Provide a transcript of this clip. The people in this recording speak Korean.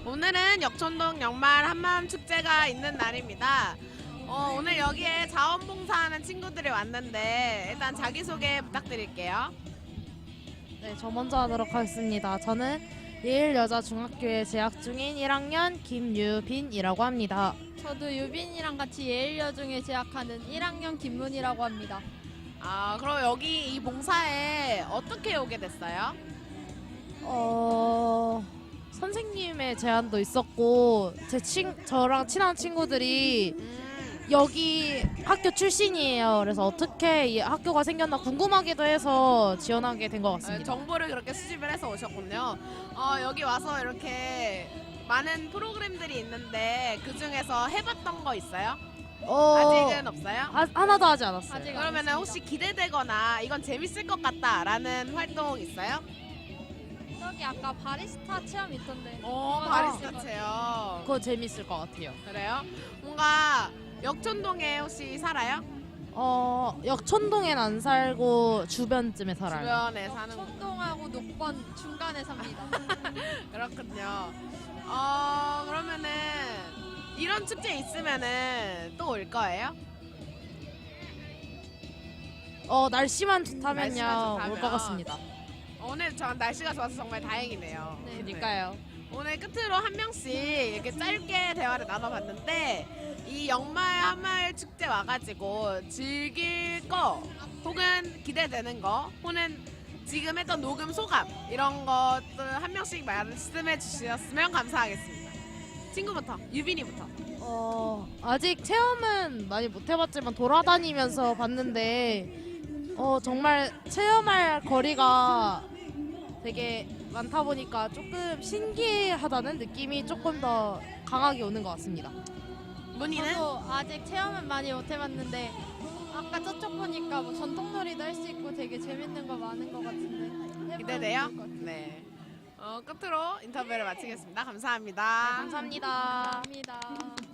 오늘은 역촌동 연말 한마음 축제가 있는 날입니다. 오늘 여기에 자원봉사하는 친구들이 왔는데 일단 자기소개 부탁드릴게요. 네, 저 먼저 하도록 하겠습니다. 저는 예일여자중학교에 재학 중인 1학년 김유빈이라고 합니다. 저도 유빈이랑 같이 예일여중에 재학하는 1학년 김문이라고 합니다. 그럼 여기 이 봉사에 어떻게 오게 됐어요? 선생님의 제안도 있었고 저랑 친한 친구들이 여기 학교 출신이에요. 그래서 어떻게 이 학교가 생겼나 궁금하기도 해서 지원하게 된 것 같습니다. 정보를 그렇게 수집을 해서 오셨군요. 여기 와서 이렇게 많은 프로그램들이 있는데 그 중에서 해봤던 거 있어요? 아직은 없어요? 하나도 하지 않았어요. 아직 그러면 혹시 기대되거나 이건 재밌을 것 같다라는 활동 있어요? 저기 아까 바리스타 체험 있던데. 바리스타 체험. 그거 재밌을 것 같아요. 그래요? 뭔가 역촌동에 혹시 살아요? 역촌동엔 안 살고 주변쯤에 살아요. 주변에 사는 거. 청동하고 녹번 중간에 삽니다. 그렇군요. 그러면은 이런 축제 있으면은 또 올 거예요? 날씨만 좋다면요. 날씨만 좋다면. 올 것 같습니다. 오늘 전 날씨가 좋아서 정말 다행이네요. 네. 그러니까요. 오늘 끝으로 한 명씩 이렇게 짧게 대화를 나눠봤는데 이 연말 한마을 축제 와가지고 즐길 거 혹은 기대되는 거 혹은 지금 했던 녹음 소감 이런 것들 한 명씩 말씀해 주셨으면 감사하겠습니다. 친구부터 유빈이부터. 아직 체험은 많이 못 해봤지만 돌아다니면서 봤는데 정말 체험할 거리가 되게 많다 보니까 조금 신기하다는 느낌이 조금 더 강하게 오는 것 같습니다. 문희는? 저도 아직 체험은 많이 못 해봤는데 아까 저쪽 보니까 뭐 전통놀이도 할 수 있고 되게 재밌는 거 많은 것 같은데 해보면 기대돼요? 좋을 것 같아요. 네. 끝으로 인터뷰를 마치겠습니다. 감사합니다. 감사합니다. 감사합니다.